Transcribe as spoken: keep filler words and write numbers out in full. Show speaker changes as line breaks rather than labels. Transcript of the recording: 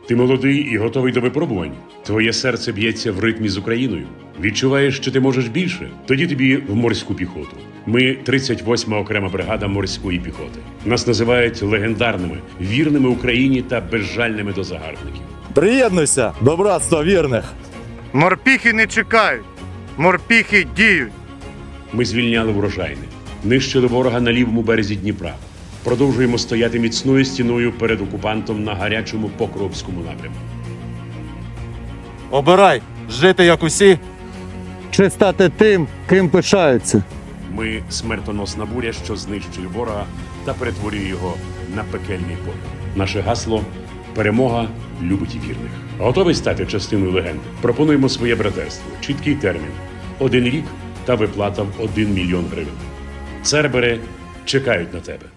Ти молодий і готовий до випробувань. Твоє серце б'ється в ритмі з Україною. Відчуваєш, що ти можеш більше? Тоді тобі в морську піхоту. Ми тридцять восьма окрема бригада морської піхоти. Нас називають легендарними, вірними Україні та безжальними до загарбників.
Приєднуйся до братства вірних.
Морпіхи не чекають, морпіхи діють.
Ми звільняли врожайне, нищили ворога на лівому березі Дніпра. Продовжуємо стояти міцною стіною перед окупантом на гарячому Покровському напрямку.
Обирай, жити як усі.
Чи стати тим, ким пишаються?
Ми смертоносна буря, що знищує ворога та перетворює його на пекельний поле. Наше гасло – перемога любить і вірних. Готовий стати частиною легенди? Пропонуємо своє братерство. Чіткий термін – один рік та виплата в один мільйон гривень. Цербери чекають на тебе.